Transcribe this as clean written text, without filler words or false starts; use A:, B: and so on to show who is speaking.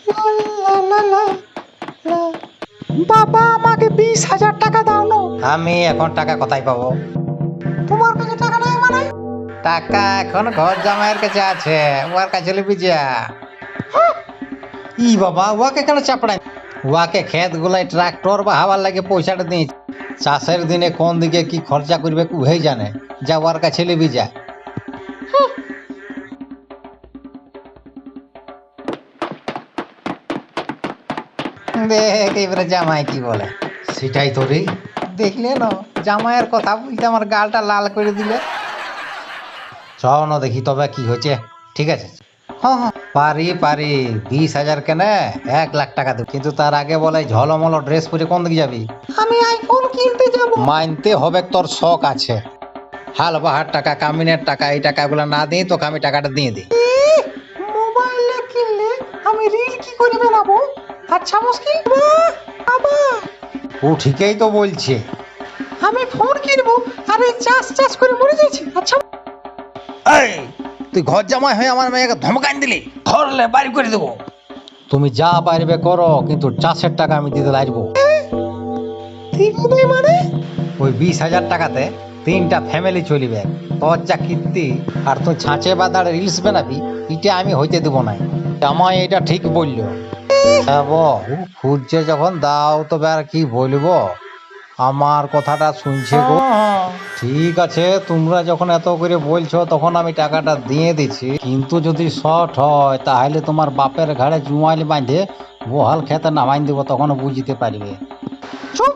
A: বাবা আমাকে 20,000 টাকা দাও না।
B: আমি এখন টাকা কোথায় পাবো?
A: তোমার কাছে টাকা নাই মানে?
B: টাকা এখন ঘর জামাইয়ের কাছে আছে, ওর কাছে লিবি যা। ই বাবা, ওকে কেন চাপড়াই? ওকে ক্ষেত গুলাই ট্রাক্টর বা হাওয়ার লাগে পয়সাটা দিই। চাষের দিনে কোন দিকে কি খরচা করবে উহেই জানে। যা ওর কাছে লিবি যা। দেখ এবারে জামাই কি বলে। সেটাই তো রে, দেখলে না জামাইয়ের কথা বলতে আমার গালটা লাল করে দিলে। চল না দেখি তবে কি হয়েছে। ঠিক আছে,
A: হ্যাঁ হ্যাঁ,
B: পারি পারি 20,000 কেনে 1,00,000 টাকা দেব, কিন্তু তার আগে বলে ঝলমলো ড্রেস পরে কোন দিকে যাবি?
A: আমি আইফোন কিনতে যাব।
B: মানতে হবে তোর শখ আছে। হাল বাহার টাকা, কামিনের টাকা, এই টাকাগুলো না দিই তোকে আমি টাকাটা দিয়ে দিই।
A: মোবাইলে কিনলে আমি রিল কি করে বানাবো? আচ্ছা মুশকিল বাবা,
B: ও ঠিকই তো বলছে।
A: আমি ফোন কিনবো আর এই চাষ চাষ করে মরে যাচ্ছি। আচ্ছা
B: এই তুই ঘর জামাই হয়ে আমার মেয়েকে ধমকান দিলি, ধরলে বাড়ি করে দেবো। তুমি যা পারবে করো, কিন্তু চাষের টাকা আমি দিতে লাগবো।
A: দিদি মানে?
B: ওই 20,000 টাকাতে 3টা ফ্যামিলি চলিবে। তোর যা কীর্তি আর তুই ছাঁচে বাদার রিলস বানাবি, এটা আমি হইতে দেবো না। আমায় এটা ঠিক বললো। খুঁজছে যখন দাও, তবে আর কি বলবো, আমার কথাটা শুনছে গো। ঠিক আছে, তোমরা যখন এত করে বলছো তখন আমি টাকাটা দিয়ে দিচ্ছি, কিন্তু যদি শর্ট হয় তাহলে তোমার বাপের ঘাড়ে জুমাইল বাঁধে বহাল খেতে নামাই দেবো, তখন বুঝতে পারবে।
A: চুপ,